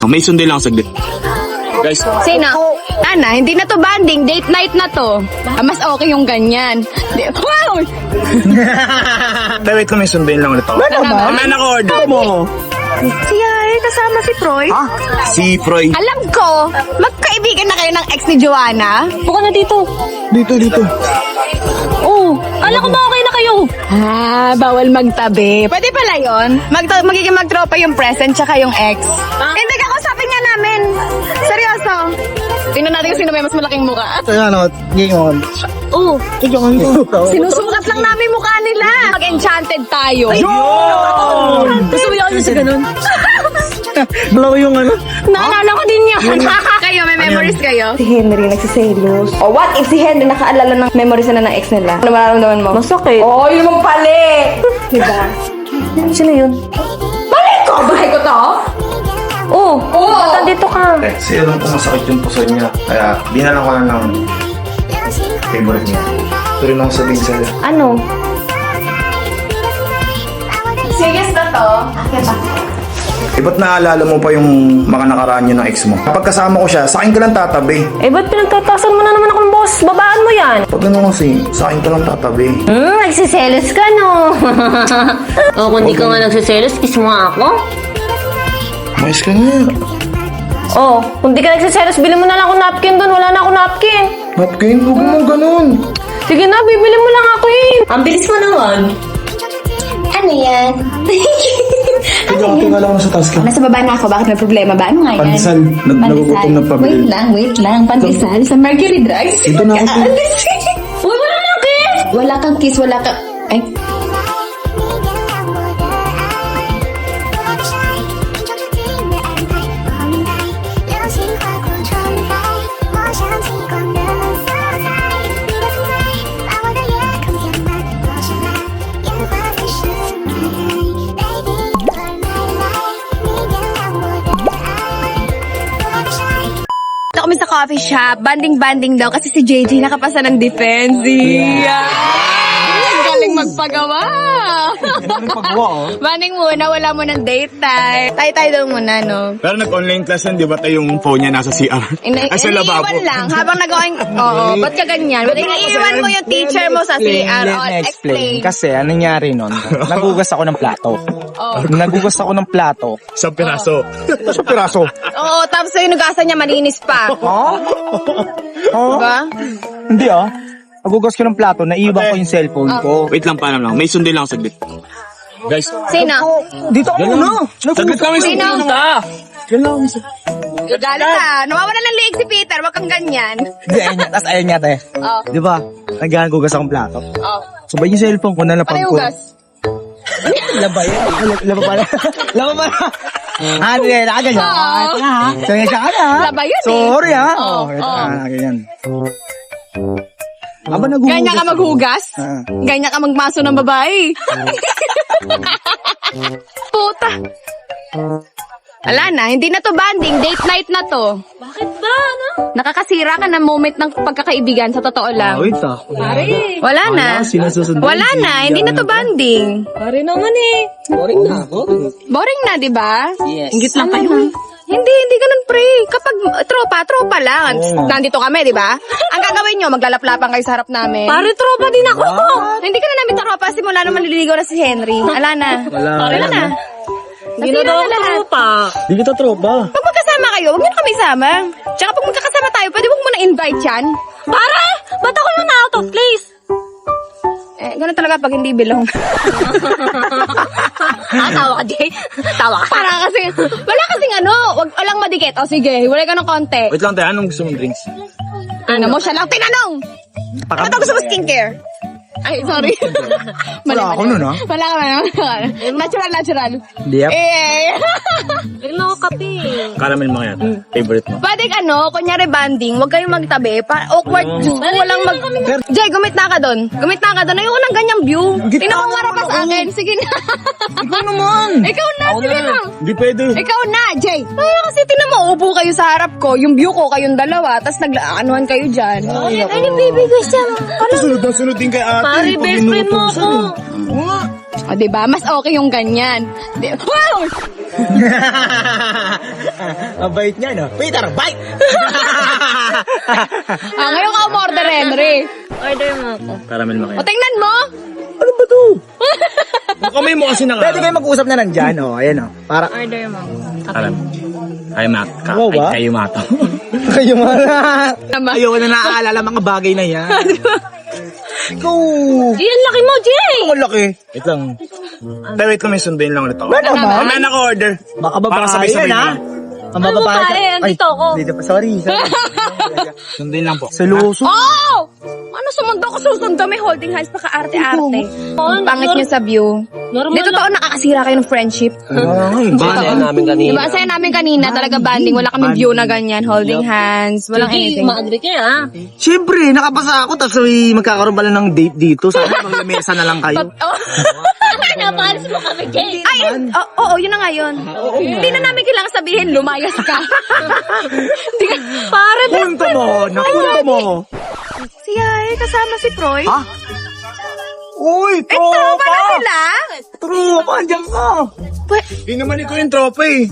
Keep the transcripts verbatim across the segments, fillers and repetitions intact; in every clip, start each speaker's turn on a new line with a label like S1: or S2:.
S1: May sundin lang saglit. Guys,
S2: Sino? Ana, hindi na to banding. Date night na to. Ah, mas okay yung ganyan. Di- Wow!
S1: Tay, wait lang, may sundin lang ulit ako.
S2: Ano ba?
S1: Ano na order mo?
S2: Si Yari, kasama si Troy.
S1: Si Froy.
S2: Alam ko, magkaibigan na kayo ng ex ni Joanna.
S3: Buka na dito.
S1: Dito, dito.
S3: Oh, ala ko ba okay na kayo?
S2: Ah, bawal magtabi. Pwede pala yun. Mag magiging magtropa yung present tsaka yung ex. Hindi, kakausapin nga namin. Seryoso. Tingnan natin kung sino may mas malaking mukha.
S4: Kaya ano, ngayon.
S3: Oh,
S2: Sinusukat lang namin mukha nila. Mag-enchanted tayo.
S3: gusto mo yun sa ganun?
S4: Dalawa yung ano.
S2: Naalala ko din yan. Kayo, may memories kayo?
S5: Si Henry nagsiselos. O what if si Henry nakaalala ng memories na ng ex nila? Ano mararamdaman mo?
S3: Masakit.
S5: Oh, yun mong pali! Diba?
S3: Sino yun?
S5: Balik ko! Bahay ko to?
S3: Oh, oh. Dito ka.
S6: Eh, si Elon po masakit yung puso niya. Kaya, dinalan ko na ng favorite niya. Ito rin ako sabihin sa'yo.
S3: Ano?
S2: Serious na to?
S6: Eh, ba't naalala mo pa yung mga nakaraan niyo ng ex mo? Kapag kasama ko siya, sa akin ka lang tatabi.
S3: Eh, ba't pinagtatasan mo na naman ako ng boss? Babaan mo yan.
S6: Pag ano kasi, sa akin ka lang tatabi.
S3: Hmm, nagsiselos ka, no? oh, kung di ka nga nagsiselos, kiss mo nga ako.
S6: Mais ka nga.
S3: Oh, kung di ka nagsiselos, bili mo na lang ako napkin doon. Wala na ako napkin.
S6: Napkin, huwag mo ganun.
S3: Sige na, bibili mo lang ako eh. Ang bilis mo naman.
S2: Ano yan?
S6: Tiga, tiga lang ako sa taas ka.
S2: Nasa baba na ako. Bakit may problema ba? Ano nga yan?
S6: Pandesal, nag nagugutom na pabili.
S2: Wait lang, wait lang. Pandesal sa Mercury Drugs.
S6: Ito na ako.
S3: Uy, wala na kiss!
S2: Wala kang kiss, wala kang... Ay, Ito kami sa coffee shop. Banding-banding daw kasi si J J nakapasa ng defense. Yeah. Ang galing magpagawa. Banding muna, wala mo ng date time. Tayo-tayo daw muna, no?
S1: Pero nag-online class yan, di ba tayo yung phone niya nasa C R?
S2: Ina-
S1: Ay, sa lababo.
S2: iniiwan lang habang nag-going... Oo, ba't ka ganyan? Ba't iniiwan mo yung teacher mo sa C R?
S4: Let
S2: Oh,
S4: me explain.
S2: explain.
S4: Kasi anong nangyari nun? Nagugas ako ng plato.
S2: Oh.
S4: Nagugas ako ng plato.
S1: Sa piraso.
S4: Sa piraso.
S2: Oo, tapos yung nugasan niya malinis pa.
S4: Oh? Oh?
S2: Diba?
S4: Hindi ah. Nagugas ko ng plato, naiwan ko yung cellphone ko.
S1: Wait lang, paano lang. May sundin lang saglit. Guys,
S2: Sino?
S4: Dito ako muna.
S1: saglit lang, may
S2: Sino?
S1: sundin lang.
S4: Yan lang.
S2: Gagalit ka. Nawawala ng liig si Peter. Wag kang ganyan.
S4: Hindi, ayun niya. Tapos ayun niya, te.
S2: Oh.
S4: Di ba? Naghagugas akong plato.
S2: Oh.
S4: Sabay yung cellphone ko, nalapag
S2: Ano yung
S4: ko.
S2: hugas?
S4: Laba yan. Laba pala. Laba pala. Ah, hindi. Nakaganyan.
S2: Oo.
S4: Ito na ha. So, yan siya ka na ha.
S2: Laba yun eh.
S4: Sorry ha.
S2: Oo,
S4: Oh, ito
S2: oo.
S4: na. Nakaganyan. Aba, naguhugas.
S2: Ganyan ka maghugas?
S4: Ah.
S2: Ganyan ka magmaso ng babae? Puta. Wala na, hindi na to banding. Date night na to.
S3: Bakit ba, ano?
S2: Nakakasira ka ng moment ng pagkakaibigan, sa totoo lang.
S4: Wait ah.
S3: Pare.
S2: Wala na.
S4: Sinususunod.
S2: Wala na, hindi na to banding.
S3: Pare naman eh.
S4: Boring na ako.
S2: Boring na, di ba?
S4: Yes.
S2: Ingit lang kayo. Hindi, hindi ganun, pre. Kapag uh, tropa, tropa lang.
S4: Oo.
S2: Nandito kami, di ba? Ang gagawin nyo, maglalaplapan kayo sa harap namin.
S3: Pare, tropa din ako.
S2: Hindi ka na namin tropa, simula naman naliligaw na si Henry. Ala na.
S4: Wala.
S2: Wala na.
S3: Hindi na daw ako tropa.
S4: Hindi kita tropa.
S2: Pag magkasama kayo, huwag nyo na kami isama. Tsaka pag magkakasama tayo, pwede huwag mo na invite yan.
S3: Pare, ba't ako yung na-out of place?
S2: Eh, ganun talaga pag hindi bilong.
S3: ah, tawa ka, Jay. Tawa ka.
S2: Para kasi, wala kasing ano, wag walang madikit. O sige, wala ka ng konti.
S1: Wait lang tayo, anong gusto mong drinks?
S2: Ano mo, siya lang tinanong. Ano ba gusto mo skincare? Ay, sorry.
S4: Wala ako nun, ah.
S2: Wala ka na. Natural, natural.
S4: Yep.
S2: Eh.
S3: Bigla ako kape.
S1: Caramel mga yan. Favorite mo.
S2: Pwede ano, kunyari banding, huwag kayong magtabi. Pa awkward, Diyos ko, walang mag... Jay, gumit na ka doon. Gumit na ka doon. Ayoko ng ganyang view. Tingnan ko nga pa sa akin. Sige na.
S4: Ikaw naman.
S2: Ikaw na, sige na.
S1: Hindi pwede.
S2: Ikaw na, Jay. Ay, kasi tinan mo, upo kayo sa harap ko. Yung view ko, kayong dalawa. Tapos nag-aanuhan kayo dyan.
S3: Ay, yung baby ko siya.
S1: Sunod na sunod din kay ate.
S3: Pare, best friend mo ako.
S2: O, diba? Mas okay yung ganyan. Di- Wow!
S4: Ang bait niya, no? Peter, bite!
S2: Ah, ngayon ka umorder, Henry.
S3: Order mo ako.
S1: Caramel
S2: O,
S1: macchiato.
S2: tingnan mo.
S4: Ano ba to?
S1: Kamay mo kasi naka...
S4: Pwede kayo mag-usap na nandyan, oh. Ayan, oh. Para
S3: Order mo.
S1: Caramel. Ay, mat. Ka,
S4: Oo ba?
S1: ay, kayo mato.
S4: kayo mga...
S2: Tama.
S4: Ayoko na naaalala mga bagay na yan. Ikaw!
S3: Iyan, laki mo, Jay!
S4: Ang laki.
S1: Wait lang. Pero wait lang, may sunduin lang ulit ako.
S4: Ano ba?
S1: Mamaya naka-order.
S4: Baka
S1: Para
S4: babae
S1: sabay-sabay
S4: yan, ha?
S1: na.
S4: Ang
S3: Ano
S4: babae.
S3: babae? Andito ako.
S4: Dito pa. Sorry, sorry.
S1: Sunduin lang po.
S4: Seloso.
S2: Oh! Ano sumundo ko susundo? May holding hands pa ka-arte-arte.
S3: Oh,
S2: Ang pangit niyo sa view.
S3: Normal
S2: Di totoo nakakasira kayo ng friendship.
S4: Bale namin kanina.
S2: Diba, ang saya namin kanina, talaga banding. Wala kaming view na ganyan, holding hands, walang
S3: Jay,
S2: anything.
S3: ma-agree kayo, ha?
S4: Siyempre, nakapasa ako, tapos may magkakaroon pala ng date dito. Sana maglamesa na lang kayo.
S2: Oh.
S3: Napalis mo kami, Jay.
S2: Ay, oo, oo, yun na nga yun. Hindi na namin kailangan sabihin, lumayas ka. Hindi ka, pare,
S4: Punto mo, napunto mo.
S2: si Yay, kasama si Proy.
S4: Ha? Uy,
S2: Eh, tropa na
S4: tropa!
S2: sila.
S4: Tropa, andiyan ka.
S1: Hindi naman ikaw yung tropa eh.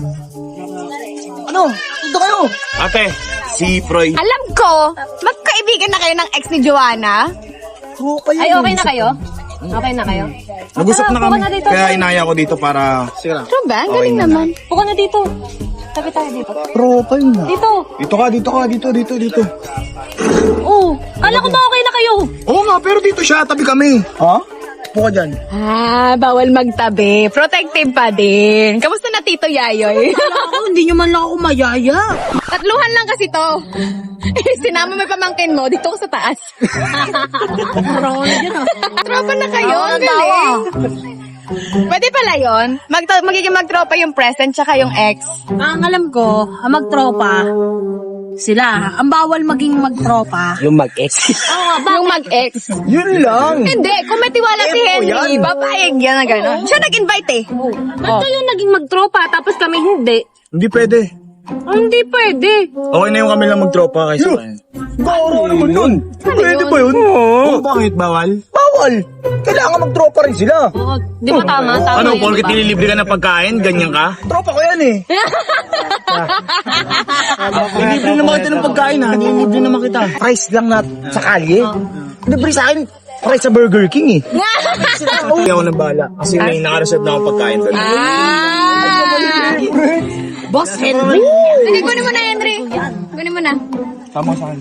S4: Ano? Dito kayo.
S1: Ate, si Proy.
S2: Alam ko, magkaibigan na kayo ng ex ni Joanna.
S4: Tropa yun.
S3: Ay, okay na kayo? Okay na kayo?
S1: Nag-usap na
S3: Puka
S1: kami.
S3: na dito.
S1: Kaya inaya ko dito para...
S4: Sige lang.
S2: Ano ba? Ang galing naman.
S3: Puka na dito. Tabi tayo dito.
S4: Tropa yun.
S3: Dito.
S1: Dito ka, dito ka, dito, dito, dito.
S3: Oh, kala ko ba okay na kayo?
S1: Oo nga, pero dito siya, tabi kami.
S4: Ha? Puka dyan.
S2: Ah, bawal magtabi. Protective pa din. Kamusta na Tito Yayoy?
S3: Ako, hindi nyo man lang ako mayaya.
S2: Tatluhan lang kasi to. Eh, sinama mo yung pamangkin mo, dito ko sa taas.
S3: Parang ako na dyan, ah.
S2: Tropa na kayo, ang galing. Pwede pala yun. Mag magiging magtropa yung present tsaka yung ex.
S7: Ang alam ko, ang magtropa, sila. Ang bawal maging magtropa.
S4: Yung mag-ex.
S2: Yung mag-ex.
S4: Yun lang.
S2: Hindi, kung may tiwala si
S4: Epo
S2: Henry,
S4: yan.
S2: papayag yan na gano'n. Siya nag-invite eh.
S7: Ba't kayo naging magtropa tapos kami hindi?
S1: Hindi pwede.
S7: Oh, hindi pwede.
S1: Okay na yung kami lang magtropa kaysa kayo.
S4: Bawal naman yun. Pwede ba yun?
S1: Oo, bakit bawal?
S4: Bawal. Kailangan magtropa rin sila.
S3: Oo, di ba tama? Tama
S1: Ano,
S3: yun,
S1: porkit
S3: diba?
S1: nililibre ka ng pagkain, ganyan ka?
S4: Tropa ko yan eh.
S1: Nililibre naman kita ng pagkain ha, nililibre naman kita.
S4: Price lang na sa kalye. Libre sa akin, price sa Burger King eh.
S1: Hindi ako nabala kasi may naka-reserve na akong pagkain doon.
S2: Ah!
S7: Boss Henry.
S2: Sige, kunin mo na, Henry. Kunin mo na.
S1: Tama sa akin.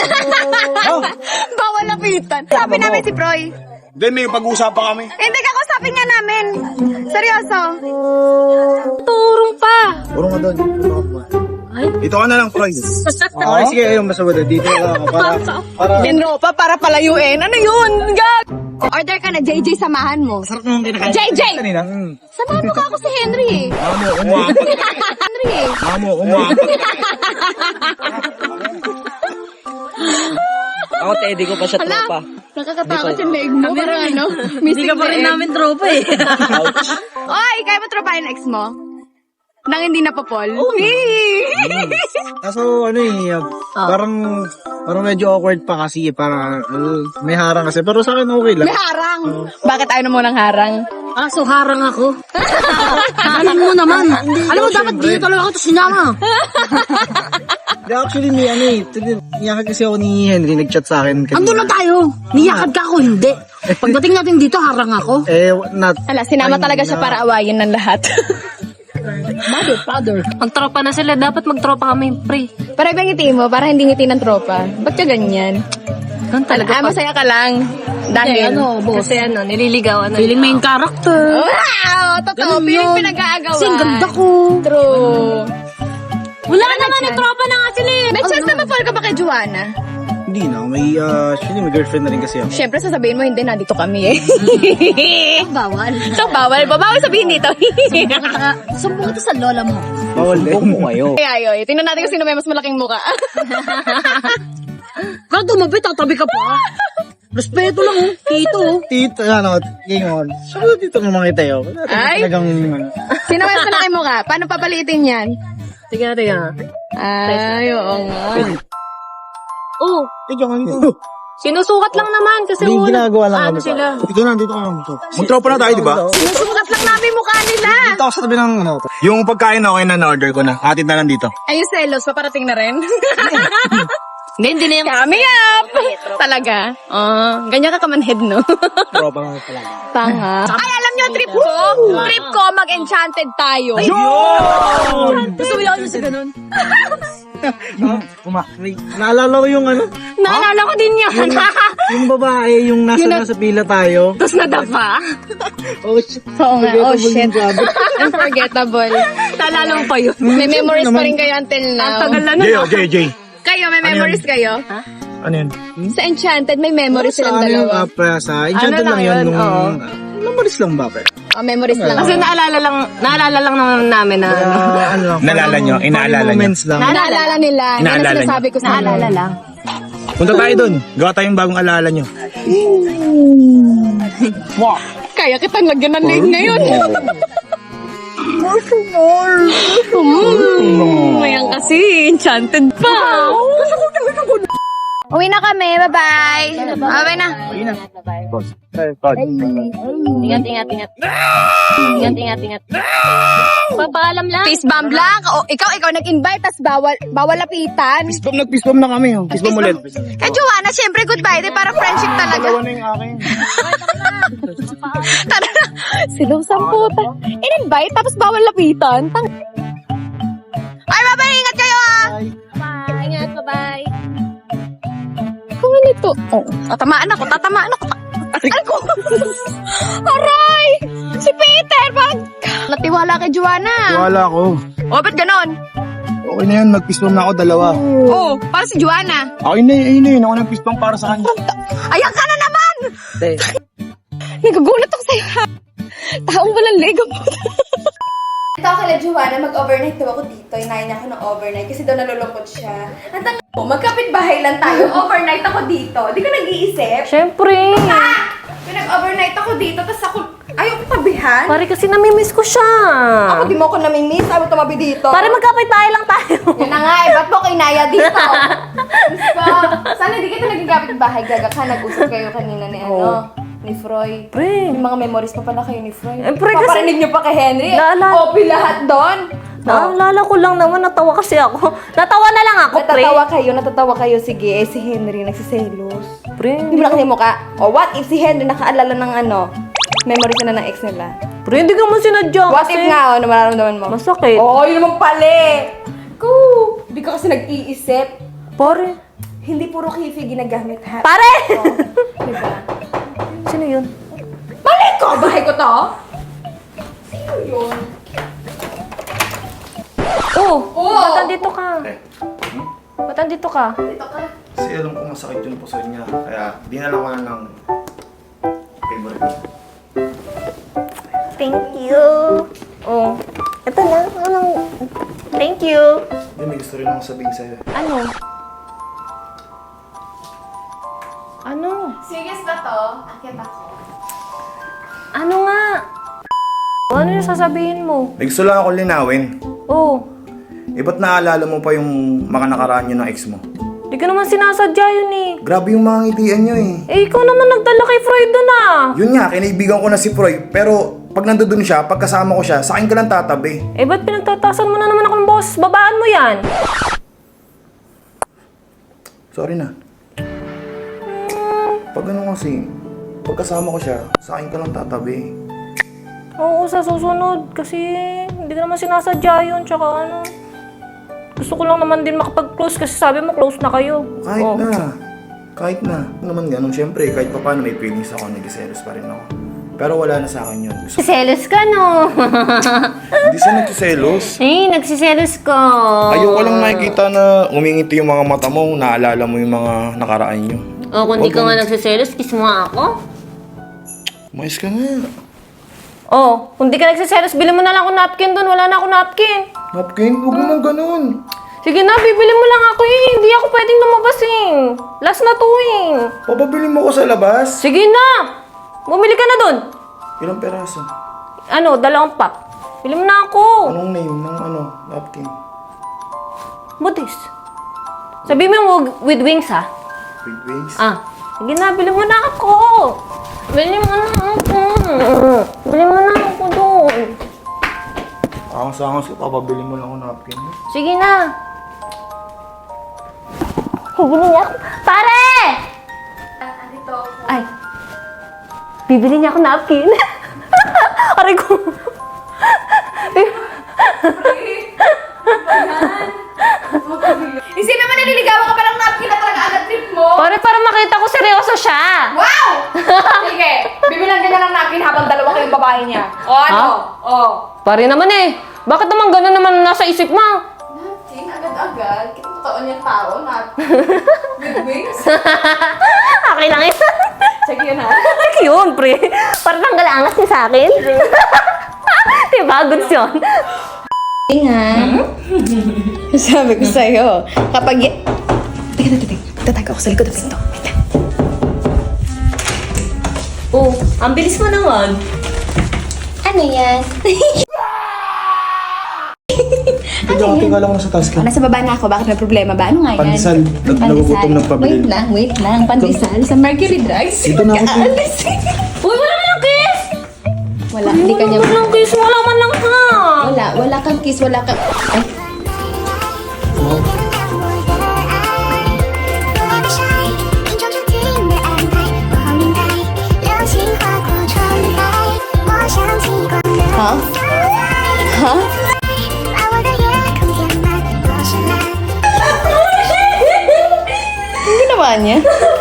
S2: Bawal lapitan. Sabi namin si Proy.
S1: Then may pag-uusapan kami.
S2: Hindi ka kusapin nga namin. Seryoso.
S7: Turong pa.
S1: Puro ka doon. Ito ka na lang, Troy.
S4: Okay, sige, ayun, basta wala. Dito lang ako para, para...
S2: Dinropa para palayuin. Ano yun? Gag! Order ka na, J J, samahan mo.
S4: Sarap naman kinakain.
S2: J J!
S4: Kanina, mm.
S2: Samahan mo ka ako si Henry eh.
S1: Mamo, umapag.
S2: Henry eh.
S1: Mamo, umapag.
S4: Ako, Teddy ko pa sa
S2: Hala, nakakatakot yung leg mo. Parang ano,
S7: Hindi ka pa rin namin tropa eh.
S2: Oy, kaya mo tropahin ex mo? Nang hindi napapol?
S4: Kaso, ano eh, uh, parang, parang medyo awkward pa kasi eh, parang, uh, may harang kasi, pero sa akin okay lang.
S2: May harang. Bakit ayaw na mo ng harang?
S7: Ah, so harang ako. Alam mo naman. Alam mo, dapat dito talaga ako to sinama.
S4: Hindi, actually, may ano eh, tuloy- niyakad kasi ako ni Henry, nag-chat sa akin. Kasi,
S7: Andun na tayo. Niyakad ka ako, hindi. Pagdating natin dito, harang ako.
S4: eh, not,
S2: Hala, sinama talaga siya para awayin ng lahat.
S7: Mother, father.
S3: Magtropa na sila. Dapat magtropa kami, pre.
S2: Para ibang ngiti mo, para hindi ngiti ng tropa. Ba't ka ganyan?
S3: Ganun talaga.
S2: Ah, masaya ka lang. Dahil,
S7: Ano, boss?
S3: Kasi ano, nililigawan na.
S7: Feeling main character.
S2: wow! Totoo,
S7: Ganun
S2: piling
S7: yun.
S2: pinag-aagawan.
S7: Kasi ang ganda ko.
S2: True.
S7: Wala naman, yung tropa na nga sila eh.
S2: May chance na ma-fall ka ba kay Joanna?
S4: hindi na, may, uh, actually, may girlfriend na rin kasi ako.
S2: Siyempre, sasabihin mo, hindi, nandito kami eh.
S7: Bawal.
S2: So, bawal ba? Bawal sabihin dito.
S7: Sumbong ito sa lola mo.
S4: Bawal din. Sumbong ko kayo.
S2: Ay, ayoy. Tingnan natin kung sino may mas malaking muka.
S7: Kaya tumabi, tatabi ka pa. Respeto lang oh. Tito oh.
S4: Tito, ano, gingon. Sabi dito naman kita yun.
S2: Ay.
S4: Talagang, ano.
S2: Sino may mas malaking muka? Paano papalitin yan?
S3: Tiga, tiga.
S2: Ay, oo nga.
S3: Oh,
S4: Tigyan ka nito.
S3: Sinusukat lang naman kasi
S4: May
S3: wala-
S4: ginagawa lang
S3: ano
S4: kami.
S3: sila.
S4: Dito na, dito na.
S1: Magtropa na tayo, di ba?
S2: Sinusukat lang namin mukha nila.
S4: Dito ako sa tabi ng ano.
S1: Yung pagkain okay na, na-order ko na. Hatid na lang dito.
S2: Ay, yung selos, paparating na rin.
S3: Hindi, hindi na yung...
S2: Kami up! Talaga? Oh, ganyan ka kamanhead, no?
S4: Tropa lang pala.
S2: Tanga. Ay, alam nyo, trip ko! Trip ko, mag-enchanted tayo.
S7: Gusto mo yun sa ganun?
S4: Uma, may, naalala ko yung ano,
S3: Naalala ko din yan.
S4: yung babae, yung nasa nasa pila tayo.
S3: Tapos nadapa.
S4: Oh, shit.
S2: Oo nga, oh
S4: Forgettable
S2: shit.
S4: yung job.
S2: Unforgettable.
S3: Naalala mo pa yun.
S2: May memories pa rin kayo until now.
S3: Ang tagal na
S1: Jay,
S3: na.
S1: oh, Jay, Jay.
S2: Kayo, may memories kayo?
S1: Ano yun?
S2: Sa Enchanted, may memories
S4: Sa
S2: silang
S4: ano yung
S2: dalawa.
S4: opera, sa Enchanted
S3: Ano lang
S4: lang yun.
S3: yun,
S4: Nung,
S3: oo.
S4: memories lang ba, pre?
S2: Oh, memories lang.
S3: Kasi naalala lang, naalala lang naman namin na ano.
S4: Ah, ano lang.
S1: Naalala nyo,
S4: funny
S1: inaalala nyo.
S4: moments lang.
S2: Naalala nila. Yan ang
S1: Inaalala
S2: sinasabi ko sa
S3: Naalala lang.
S1: Punta tayo dun. Gawa tayong bagong alaala nyo.
S2: Kaya kitang lagyan ng leg ngayon. Hmm, Ayan kasi, enchanted pa. Uwi na kami, bye-bye. Bye-bye na.
S3: Ingat, ingat, ingat. Ingat, ingat, ingat. Papaalam lang.
S2: Fist bump lang. O, ikaw, ikaw nag-invite, tas bawal, bawal lapitan.
S1: Fistbomb, nag-fistbomb na kami. Oh. Fistbomb ulit.
S2: Kay Joanna, syempre goodbye. Di para friendship talaga.
S1: Dalawa na yung akin.
S2: Tara na. Silusan po. In-invite, tapos bawal lapitan. Tang... Ay, bye-bye. Ingat kayo, ah.
S3: Bye. Ingat, bye-bye.
S2: Kung ano ito? Oh, tatamaan ako, tatamaan ako. Aray ko! Aray! Si Peter, bakit? Natiwala kay Joanna.
S1: Wala ko.
S2: Oh, ba't ganon?
S1: Okay na yan, nag-fistbomb na ako dalawa.
S2: Oh, para si Joanna.
S1: Okay na yun, ayun na yun. Ako nag-fistbomb para sa kanya.
S2: Ayan ka na naman! Nagagulat ako sa'yo, ha? Taong walang leg mo.
S5: Ito ako kala Joanna, mag-overnight daw ako dito. Inayin niya ako ng overnight kasi daw nalulungkot siya. Ang tanga mo, magkapit-bahay lang tayo. Overnight ako dito. Di ka nag-iisip?
S3: Siyempre.
S5: Ah! Pinag-overnight ako dito, tapos ako, ayaw ko tabihan.
S3: Pare kasi namimiss ko siya.
S5: Ako di mo ako namimiss, ayaw tumabi dito.
S3: Pare magkapit tayo lang tayo.
S5: Yan na nga eh, ba't mo kinaya dito? Gusto, sana di kita naging kapit-bahay. Gaga ka, nag-usap kayo kanina ni ano, ni Froy.
S3: Pre.
S5: Yung mga memories pa pala kayo ni Froy.
S3: Eh, pre, kasi-
S5: Paparinig niyo pa kay Henry.
S3: Naalala-
S5: O, lahat doon.
S3: Naalala ko lang naman, natawa kasi ako. Natawa na lang ako, pre.
S5: Natatawa kayo, natatawa kayo. Sige, eh, si Henry nagsiselos.
S3: Pre,
S5: Hindi mo na kasi mukha. O, what if si Henry nakaalala ng ano, memories na ng ex nila?
S3: pre, hindi ka mo sinadya
S5: What
S3: kasi.
S5: if nga, ano, mararamdaman mo?
S3: Masakit.
S5: Oo, yun naman pala eh. Ko, di ka kasi nag-iisip.
S3: Pare.
S5: Hindi puro kifi ginagamit, ha?
S3: Pare!
S5: Oo, diba?
S3: Sino yun?
S5: Mali ko! Bahay ko to? Sino yun?
S3: Oh,
S5: Oo.
S3: ba't andito ka?
S6: Eh,
S3: Ba't andito ka?
S5: Dito ka.
S6: kasi alam ko masakit yung puso niya. Kaya dinala ko na ng favorite niya.
S3: Thank you. Oh, ito na. Anong... Thank you.
S6: Hindi, may gusto rin akong sabihin sa'yo.
S3: Ano? Ano?
S5: Serious ba to? Akit ako.
S3: Ano nga? Ano yung sasabihin mo?
S6: May gusto lang akong linawin.
S3: Oh,
S6: Eh, ba't naalala mo pa yung mga nakaraan yun ng ex mo?
S3: di ka naman sinasadya yun eh.
S6: Grabe yung mga ngitian nyo eh.
S3: Eh, ikaw naman nagdala kay Freud doon ah.
S6: Yun nga, kinaibigan ko na si Froy. Pero pag nandoon siya, pag kasama ko siya, sa akin ka lang tatabi.
S3: Eh, ba't pinagtatasan mo na naman ako ng boss? Babaan mo yan.
S6: Sorry na. Pag ano kasi, pag kasama ko siya, sa akin ka lang tatabi.
S3: Oo, sa susunod. Kasi hindi ka naman sinasadya yun. Tsaka ano, gusto ko lang naman din makapag-close kasi sabi mo close na kayo.
S6: Kahit
S3: Oh.
S6: na. Kahit na. Ano naman ganun, syempre, kahit pa paano may feelings ako, nag-selos pa rin ako. Pero wala na sa akin yun. Gusto
S3: Nagsiselos ka, no?
S6: Hindi siya nagsiselos.
S3: Eh, nagsiselos ka.
S6: Ayoko lang nakikita na umingiti yung mga mata mo, naalala mo yung mga nakaraan nyo.
S3: O, kung di ka nga nagsiselos, kiss mo nga ako.
S6: Mais ka nga.
S3: Oh, kung di ka nagsiselos, bili mo na lang ako napkin doon. Wala na ako napkin.
S6: Napkin, huwag naman ganun.
S3: Sige na, bibili mo lang ako eh. Hindi ako pwedeng lumabas eh. Last na to eh.
S6: Papabili mo ko sa labas.
S3: Sige na! Bumili ka na doon.
S6: Ilang peraso?
S3: Ano, dalawang pack. Bili mo na ako.
S6: Anong name ng ano, napkin?
S3: Butis. Sabi mo yung with wings ha?
S6: With wings?
S3: Ah. Sige na, bili mo na ako. Bili mo na ako. Bili mo na ako doon.
S6: Angas-angas ka, papabili mo lang ako napkin.
S3: Sige na. Bibili niya ako. Pare!
S5: Ah, dito ako.
S3: Ay. Bibili niya ako napkin. Aray ko.
S5: Isipin mo, naliligawan ka palang napkin na talaga agad trip mo.
S3: Pare, para makita ko seryoso siya.
S5: Wow! Sige, bibilang ka na ng napkin habang dalawa kayong babae niya. O ano?
S3: Ha?
S5: O.
S3: Pare naman eh. Bakit naman gano'n naman nasa isip mo?
S5: Napkin, agad-agad. Kita totoo niyang tao, napkin. With wings.
S3: Okay lang yun.
S5: Sige yun ha.
S3: Like yun, pre. Parang tanggal angas niya sa akin. Diba? Goods yun.
S2: Nga. Sabi ko sa'yo, kapag... y- Teka, teka, teka. Tatago ako sa likod ng pinto. Wait lang.
S3: Oh, ang bilis mo naman.
S5: Ano yan?
S4: Medyo kating ka lang sa task
S2: Oh, nasa baba na ako. Bakit may problema ba? Ano nga yan?
S4: Pandesal. Nag-
S2: Pandesal.
S4: nagugutom ng pabili.
S2: Wait lang, wait lang. Pandesal sa Mercury Drugs.
S4: Ito na ako.
S2: Alis.
S3: Uy, wala man lang kiss!
S2: Wala, hindi ka niya...
S3: Wala man lang kiss, wala man lang ha!
S2: Wala, wala kang kiss, wala kang... Ay, ha? Ha? Ang ginawa niya?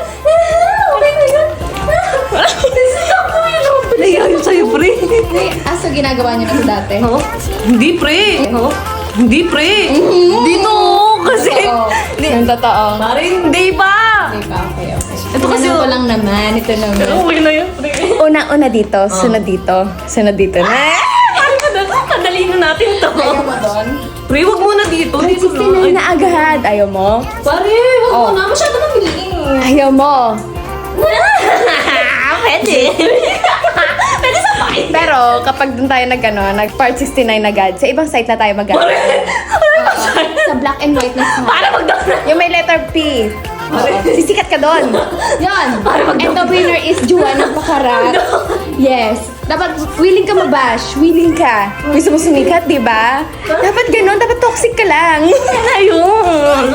S3: Naiyayin sa'yo, pre.
S2: Ay, aso ginagawa niya kasi dati.
S3: Oh? Hindi, pre. Oh? Hindi, pre. Dito, kasi...
S2: Oo. Yung totoo.
S3: Pare, hindi ba?
S2: Okay ba? Okay, okay.
S3: Ito kasi-
S2: Ano ko lang naman. Ito naman.
S3: Okay na yun, pre.
S2: Una-una dito. Sunod dito. Sunod dito. Na.
S3: Pare, madal- madali na natin to.
S2: Ayaw mo doon?
S3: Pre, wag muna dito. Dito
S2: sixty nine
S3: na.
S2: na agad. Ayaw mo?
S3: Pare, wag
S2: Oh.
S3: muna. Masyado mabilis.
S2: Ayaw mo.
S3: Pwede. Pwede sa fight.
S2: Pero kapag doon tayo nag, ano, nag part sixty-nine agad, sa ibang site na tayo mag Sa black and white na site.
S3: Para mag-down na.
S2: Yung may letter P. Oo. Sisikat ka doon. Yan. And the winner is Juana Pacarat. Yes. Dapat willing ka mabash. Willing ka. Gusto mo sumikat, di ba? Dapat ganun. Dapat toxic ka lang.
S3: Ayun.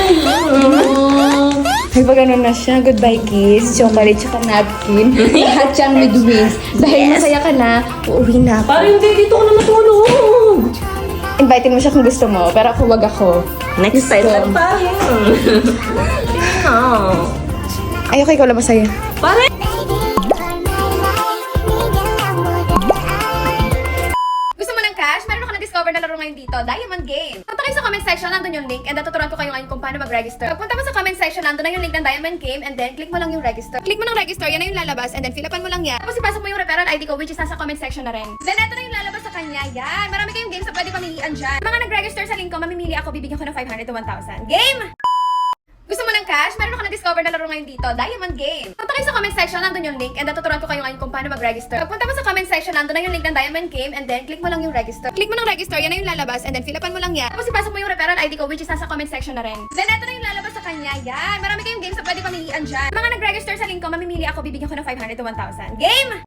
S2: Ay, pag ganun na siya, goodbye kiss, chocolate, tsaka napkin. Lahat yan with wings. Dahil masaya ka na, uuwi na ako.
S3: Pare, hindi. Dito ko na matulog.
S2: Invitein mo siya kung gusto mo, pero ako wag ako.
S3: Next time na tayo.
S2: Ay, okay ko lang masaya.
S3: Pare,
S5: Gusto mo ng cash? Meron ako na-discover na laro ngayon dito, Diamond Game. Punta kayo sa comment section, nandun yung link, and tuturuan ko kayo ngayon kung paano mag-register. Pagpunta mo sa comment section, nandun na yung link ng Diamond Game, and then click mo lang yung register. Click mo ng register, yan na yung lalabas, and then fill upan mo lang yan. Tapos ipasok mo yung referral I D ko, which is nasa comment section na rin. Then eto na yung lalabas sa kanya, yan. Marami kayong games na pwede pamilian dyan. Mga nag-register sa link ko, mamimili ako, bibigyan ko ng five hundred to one thousand. Game! Gusto mo ng cash? Meron ako na-discover na laro ngayon dito, Diamond Game. Punta kayo sa comment section, nandun yung link, and tuturuan ko kayo ngayon kung paano mag-register. Pagpunta mo sa comment section, nandun na yung link ng Diamond Game, and then click mo lang yung register. Click mo ng register, yan na yung lalabas, and then fill upan mo lang yan. Tapos ipasok mo yung referral I D ko, which is nasa comment section na rin. Then eto na yung lalabas sa kanya, yan. Marami kayong games na pwede pamilian dyan. Mga nag-register sa link ko, mamimili ako, bibigyan ko ng five hundred to one thousand. Game!